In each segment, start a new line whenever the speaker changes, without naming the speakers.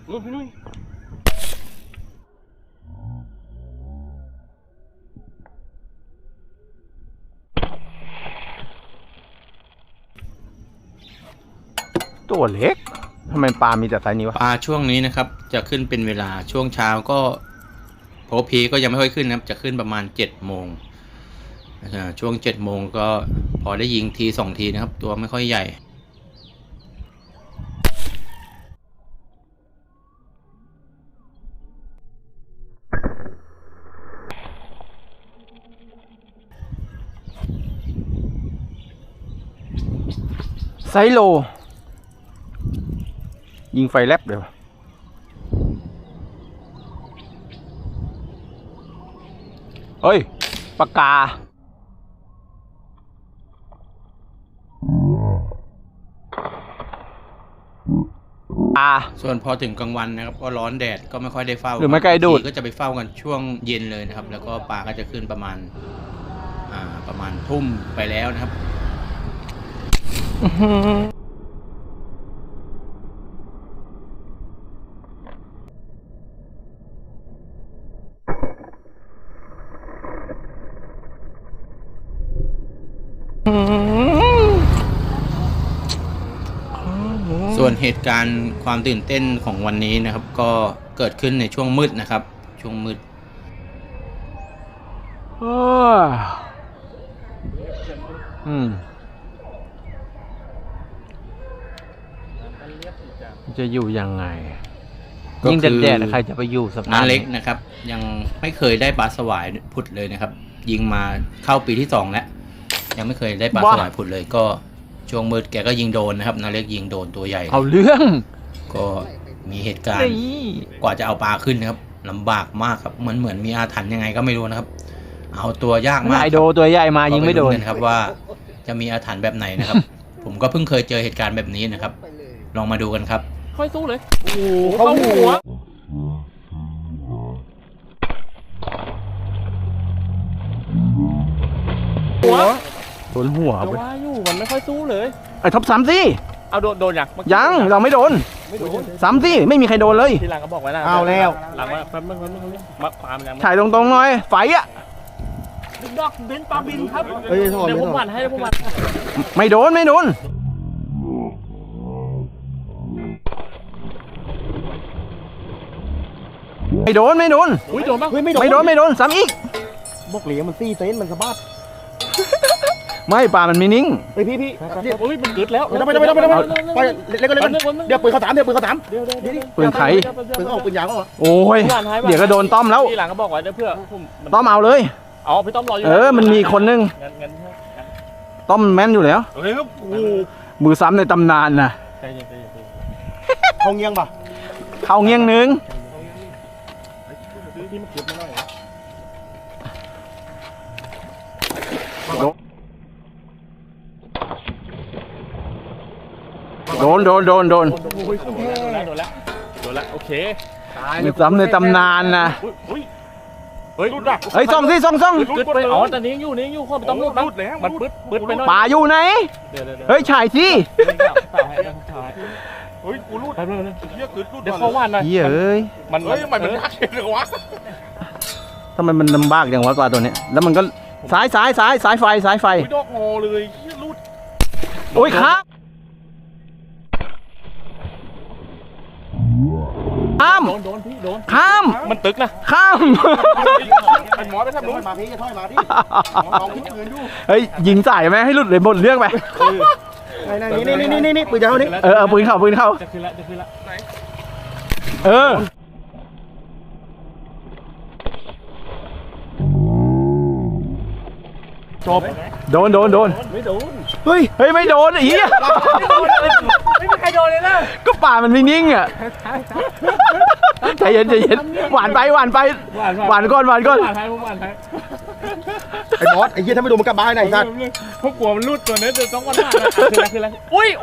พี่นุ้ย
ตัวเล็กทำไมปลามีแต่ไซส์นี้วะ
ปลาช่วงนี้นะครับจะขึ้นเป็นเวลาช่วงเช้าก็โพพีก็ยังไม่ค่อยขึ้นนะครับจะขึ้นประมาณ7 โมงช่วง7 โมงก็พอได้ยิงที2 ทีนะครับตัวไม่ค่อยใหญ่
ไซโลยิงไฟแลบเดี๋ยวเฮ้ยปากกา
ส่วนพอถึงกลางวันนะครับก็ร้อนแดดก็ไม่ค่อยได้เฝ้า
หรือไม่ไกลดูด
ก็จะไปเฝ้ากันช่วงเย็นเลยนะครับแล้วก็ปลาก็จะขึ้นประมาณทุ่มไปแล้วนะครับส่วนเหตุการณ์ความตื่นเต้นของวันนี้นะครับก็เกิดขึ้นในช่วงมืดนะครับช่วงมืด
จะอยู่ยังไงยิ่งแดดๆใครจะไปอยู่สภาพ
น้าเล็กนะครับยังไม่เคยได้ปลาสวายผุดเลยนะครับยิงมาเข้าปีที่2แล้วยังไม่เคยได้ปลาสวายผุดเลยก็ช่วงมืดแกก็ยิงโดนนะครับนาเล็กยิงโดนตัวใหญ่
เอาเรื่อง
ก็มีเหตุการณ์กว่าจะเอาปลาขึ้นนะครับลำบากมากครับเหมือนมีอาถรรพ์ยังไงก็ไม่รู้นะครับเอาตัวยากมาก
ไอโดตัวใหญ่มายิงไม่โดน
นะครับว่าจะมีอาถรรพ์แบบไหนนะครับ ผมก็เพิ่งเคยเจอเหตุการณ์แบบนี้นะครับลองมาดูกันครับ
ค่อยสู้เลยโอ้โหเข้าหัว
โดนหัว
ว่าอยู่มันไม่ค่อยสู้เลย
ไอ้ท็อปซ้ำสิ
เอาโดน
ยังเราไม่โดนซ้ำสิไม่มีใครโดนเลย
ทีหลังก็บอกไว้นะ
เอาแล้ว
หลังแป๊บนึงมาความยัง
ถ่ายตรงๆหน่อยไฟอ่ะ
ดอกเบนปลาบินครับเดี๋ยวผมหวานให้ผมหวาน
ไม่โดนไม่โดน
อุ้ยโดนปะ
ไม่โดนซ้ำอีก
บอกเหลียมันซี่เซนมันสะบัด
ไม่ปลามันไม่นิ่ง
พี่
อุ้ยมันกึดแล้ว
ไม่เล่นก็เล่นเดี๋ยวปืนเขาถามปืน
ไข่
ปืนออกปืนยาวก็
โอ้ยเดี๋ยวก็โดนต้อมแล้ว
ทีหลังก็บอกไว้เพื่อ
ต้อมเอาเลย
พี่ต้อมรออยู่
มันมีคนนึงต้อมแม่นอยู่แล้วมือซ้ำในตำนานนะ
เขาเงี้ยงป่ะ
เขาเงี้ยงนึงโดน
แล้วโอเค
มือซ้ำในตำนานนะ
เฮ้ย
ซ่องสิซ่อง
กึดไปแต่นี้อยู่ข้อต้องรูดแล้วมันปึ๊ดไปหน่อย
ป่าอยู่ไหนเฮ้ยฉายสิ
เฮ้ยกูรูดเดี๋ยวเขาว่านหน่อย
มัน
ยากเลยวะ
ทำไมมันลำบากอย่างวะปลาตัวนี้แล้วมันก็สายไฟ
ดอกงอเลยรูด
โอ้ยครับข้ามข้าม
มันตึกนะ
ข้าม
ไอ้หมอไปทำนู้น
มาพี่จะถอยมาดิ
เฮ้ยยิงใส่ไหมให้หลุดเลยหมดเรื่องไป
นี่ปืนยาวนี่
ปืนเข้า
จะขึ้นละ
จบโดน
ไม่โดน
เฮ้ยไม่โดนอี
ไม่มีใครโดนเลยนะ
ก็ป่ามันไม่นิ่งอ่ะใจเย็นหวานไปหวานก่อน
ไอ้บอสไอ้เหี้ยถ้าไม่โดนมันกลับบ้านไหนสัตว์
พวกกลัวมันรูดตัวนี้จะต้องวันหน้าคืออะไรอุ้ย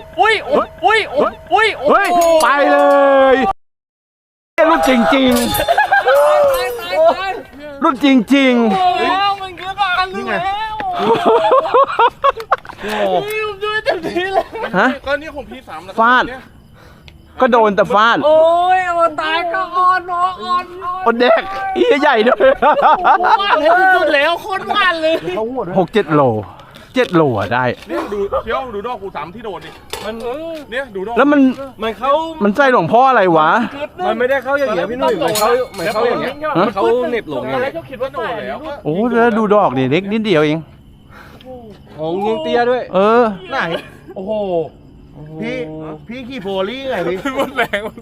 ไปเลยรุ่นจริงรุ่นจริง
แล้วมันคือบ้านนี่ไงผมช่วยเต็มที่เลย
ฮะ
ก็นี่ผมพี่3แล้ว
ฟาดก็โดนแต่ฟาด
โอ้ยเอาตายก็อ่อนอ่อน
โอ้เด็กอีใหญ่ด้วย
หวานเลยสุดแล้วโคตรหวานเลย
เขาหัวด้วย
6-7 โล 7 โลอะได้
เนี่ยดูเที่ยวดูดอกกูสามที่โดนดิมันเนี่ยดูดอก
แล้วมันใส่หลวงพ่ออะไรวะ
มันไม่ได้เข้าอย่างเงี้ยพี่หนุ่ยมันเข้าอย่างเงี้ย
ฮะ
เขาเหน็บหลงไง
แล้วเขาคิดว่าโดนแล้วก็
โอ้แล้วดูดอกดิเล็กนิดเดียวเอง
โอ้ยิงเตี้ยด้วย
เออ
ไหนโอ้โหพี่ขี่โพลี่ไงพี่
หมดแรง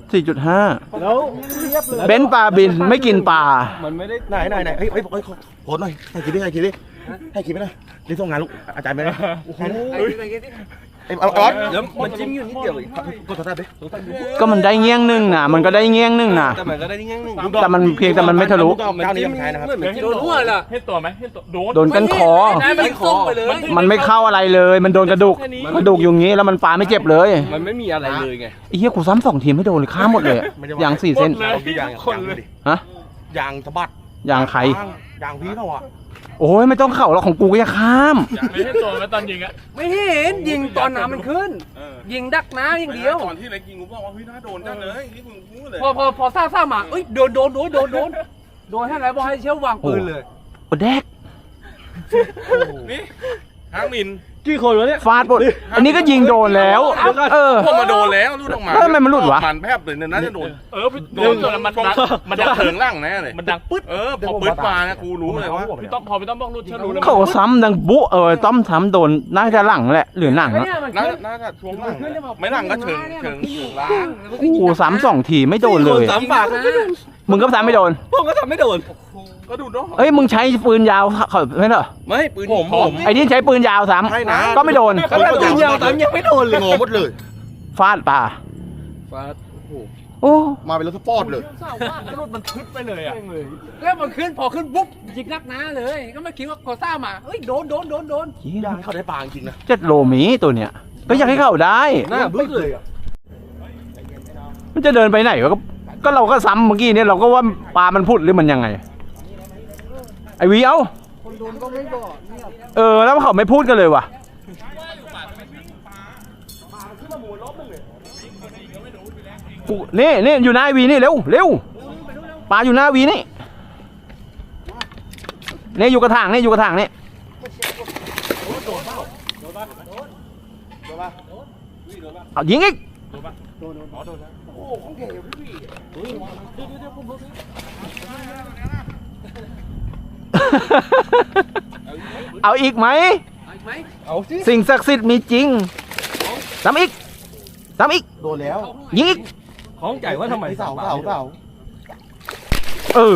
4.5
แล้วเรียบเลย
เบนซ์ปลาบินไม่กินปลา
มันไม่ได้
ไหนเฮ้ยโพสหน่อยให้คิดดิให้คิดไปหน่อยนี่ส่งงานลูกอาจารย์ไปเลยโอ้โหเอาออส
แล้วมันจิ้มอยู่นิดเดียวอีก
กดสตาร์ทดิ
ก็มันได้เงี้ยงนึงนะมันก็ได้เงี้ยงนึงนะ
แต่มันก็ได้นิดนึง
แต่มันเพียงแต่มันไม่ทะลุ
เจ้านี้ยังใช้นะครับ
โดนหัวล่ะ
เห็นตัวไหมเห็นตัวโดน
โดนกันคอ
มันส่งไปเลย
มันไม่เข้าอะไรเลย มันโดนกระดูกอยู่อย่างงี้แล้วมันปลาไม่เจ็บเลย
มันไม่มีอะไรเลยไง
ไอ้เหี้ยกูซ้ำ2 ทีไม่โดนเลยข้ามหมดเลยอะยาง4 เส้น
ยางดิ
ฮะ
ยางสะบัด
ยางใคร
ยางพี่เขาอ่ะ
โอ้ยไม่ต้องเข่าหรอกของกูก็จะข้าม
ไม่เห็นตัวไหมตอนยิงอ่ะ
ไม่เห็นยิงตอนน้ำมันขึ้น ยิงดักน้ำอย่างเดียว
ตอนที่เล็กยิงกูบอกว่าพี่น่าโดนจังเลยนี่มึงพูดเลย
พอซ่ามาเอ้ยโดนให้อะไรบอกให้เชี่ยววางปืนเลย
โอ้แดก
นี่ห้างมิน
กี่คนแล้วเนี่ย
ฟาดหมดอันนี้ก็ยิงโดนแล้ว เออ
พวกมาโดนแล้วรูดออกมา
แล้วทำไมมันหลุดวะ
มันแพบเลยน่าจะโดนโดนจนมันดังเถิงล่างแน่เลยมันดังปึ๊ดพอปึ๊ดมาเนี่ยกูรู้เลยว่าพี่ต้องพอพี่ต้องบอกรูดเชื่อรู้แล้ว
เขาซ้ำดังบุต้อมซ้ำโดนน่าจะหลังแหละหรือหนังอะ
น่าจะช่วงล่างไม่หลังก็เชิงล่าง
กูซ้ำ2 ทีไม่โดนเลย
สามฝาก
มึงก็ซ้ำไม่โดน
ผมก็ทำไม่โดน
ก็ดูเนาะ
เอ้ยมึงใช้ปืนยาวเขาไม่เหรอ
ไม่ปืนผม
ไอ้นี่ใช้ปืนยาวซ้ำก็ไม่โดน
ก็ได้ปืนยาวตามยังไม่โดนเลย
งอหมดเลย
ฟาดปลา
ฟาด
โอ้
มาเป็นรถสปอร์ตเลย
รูดมันพึดไปเลยอ่ะ
แล้วมันขึ้นพอขึ้นปุ๊บยิงนักน้าเลย ก็ไม่คิดว่าพอซ่ามาเอ้ยโดน
ยางเขาได้ปลาจริงนะ
7 โลหมีตัวเนี้ยก็อยากให้เข้าได้
หน้าบึ้งเลย
มันจะเดินไปไหนวะก็เราก็ซ้ำเมื่อกี้เนี่ยเราก็ว่าปลามันพุดหรือมันยังไง ไอวีเอาแล้วเขาไม่พูดกันเลยว่ะกูนี่อยู่หน้าไอวีนี่เร็วปลาอยู่หน้าวีนี่อยู่กระถางนี่เอายิงอีกเอาอีกไหม
เอาสิ
สิ่งศักดิ์สิทธิ์มีจริงซ้ำอีก
โดนแล้ว
ยิงอีก
ของใจว่าทำไม
เสา
เออ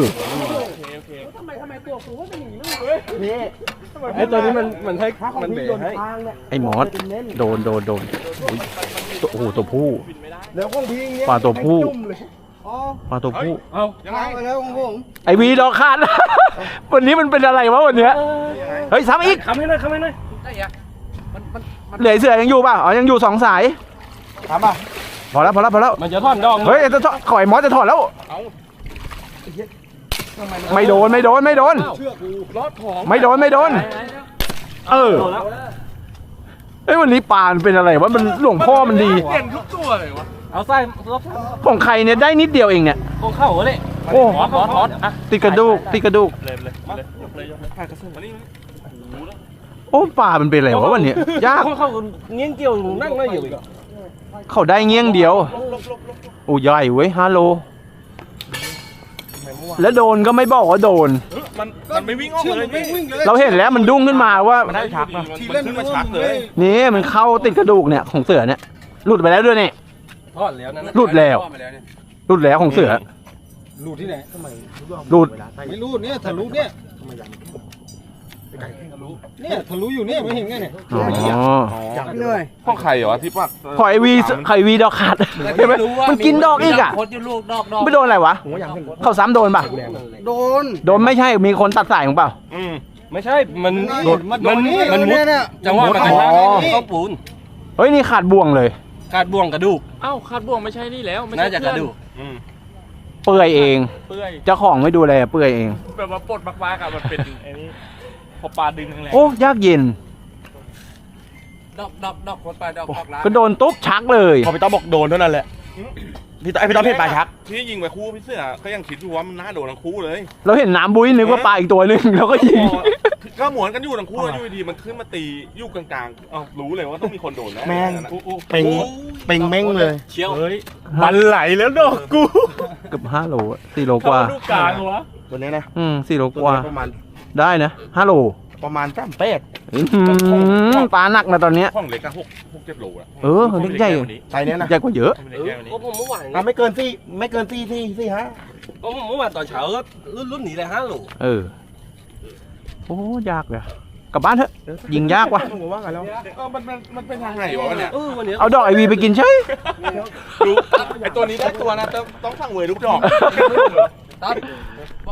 ไอ้ตัวนี้มันให้มันเบรให้
ไอ้มอสโดนอุ๊ยโอ้โหตัวผู้
แล้วของพี่เงี้ย
ปลาตัวผู้
จุ่มเลย
ปลาตัวผู้
เอา
ยังไง
แล้วของผม
ไอวีดอกขาด วันนี้มันเป็นอะไรวะวันเนี้ยเฮ้ยซ้ำอีก
คำให้หน่อย
ได้อะมัน
เหลือเสือยังอยู่ป่ะอ๋อยังอยู่2 สาย
ถามป่ะ
พอแล้ว
มันจะท่อนดอง
เฮ้ยจะขอยมอสจะถอดแล้วไม่โดน
เชื่อกู
ไม่โดน เออเฮ้ยวันนี้ปลามันเป็นอะไรวะมันหลวงพ่อมันดี
เปลี่ยนทุกตัวเลยวะ
เอาไส้รถ
ของใครเนี่ยได้นิดเดียวเองเนี่ย
ของเข้าเลย
โอ้
ถอดอ่ะ
ติดกระดูก
มานี่
โอ้ปลามันเป็นอะไรวะวันนี้ยาก
เข้าเงี้ยงเกี่ยวนั่งไม่อยู่อีก
เขาได้เงี้ยงเดียวโอ้ใหญ่เว้ย5 โลแล้วโดนก็ไม่บอกว่าโดน
มันไม่วิ่งออกเลยวิ่งเลย
เราเห็นแล้วมันดุ้งขึ้นมาว่า
มันได้ชักนะมันขึ้นมาชักเลย
นี่มันเข้าติดกระดูกเนี่ยของเสือเนี่ยหลุดไปแล้วด้วยเนี่ย
ทอดแล้วนั่น
หลุดแล้วของเสือ
รูดที่ไหน
หลุด
ไม่รูดเนี่ยทะลุเนี่ยเนี่ยทะลุอยู่เนี่ยไม่เห็นไงเนี่ย
อ๋อ
พ่อไข่เหรอที่ปัก
ขอยวีดอกขาดใช่ไหมมันกินดอกอีกอ่ะ
คนอยู่ลูกดอก
ไม่โดนอะไรวะเขาซ้ำโดนป่ะ
โดน
โดนไม่ใช่มีคนตัดสายของเปล่า
ไม่ใช่มัน
มันมุด
จังหวะมันกระชากเข้าปูน
เฮ้ยนี่ขาดบ่วงเลย
ขาดบ่วงกระดูก
เอ้าคาดบ่วงไม่ใช่นี่แล้วไม่ใช่
น่าจะกระดูก
เปื่อยเอง
เปื่อย
เจ้าของไม่ดูแลเปื่อยเอง
แบบว่าปลดมากๆอะมันเป็นไอ้นี่พอปลาดึงแรง
โอ้ยากเย็น
ดอกคนไปดอกล้าง
ก็โดนตุ๊บชักเลย
พอไปต้องบอกโดนเท่านั้นแหละพี่ต้อมเพชรปลาชัก
ที่ยิงไปคู่พี่เสือก็ยังคิดอยู่ว่ามันน่าโดนทั้งคู่เลย
เราเห็นน้ำบุ้ยนึกว่าปลาอีกตัวหนึงแล้วก็ยิง
ก็หมวนกันอยู่ทั้งคู่แล้วอยู่ดีๆมันขึ้นมาตีอยู่กลางๆอ้าวรู้เลยว่าต้องมีคนโดนแน่
แม่งเป่งเม้งเลย
เชี่ยวเฮ้ยมันไหลแล้วดอกกู
เกือบ5 โลอะ4 โลกว่า
ลูกกลางวะ
ตัวนี้นะ
4 โล
ตัว
กว่า
นี้ประมาณ
ได้นะ5 โล
ประมาณ3 เป็ด
ปลาหนักนะตอนเนี้ย
ห้องเล็กก็6-7 โลละ
เออเล็กใหญ่
ไซส์เนี้ยนะ
ใหญ่กว่าเยอะ
ก็ผมเมื่อวาน
ไม่เกิน4 5
ก็ผมเมื่อวานตอนเช้าก็รุ่นนี้เลย5 โล
เออโอ้ยากเลยกลับบ้านเถอะยิงยากว่ะ
ผมว่ากันแล้ว
มันเป็นทางไหนวะเนี่ย
วันนี้
เอาดอกไอวีไปกินใช่
ดูไอตัวนี้ได้ตัวนะต้องสั่งเวยลูกดอก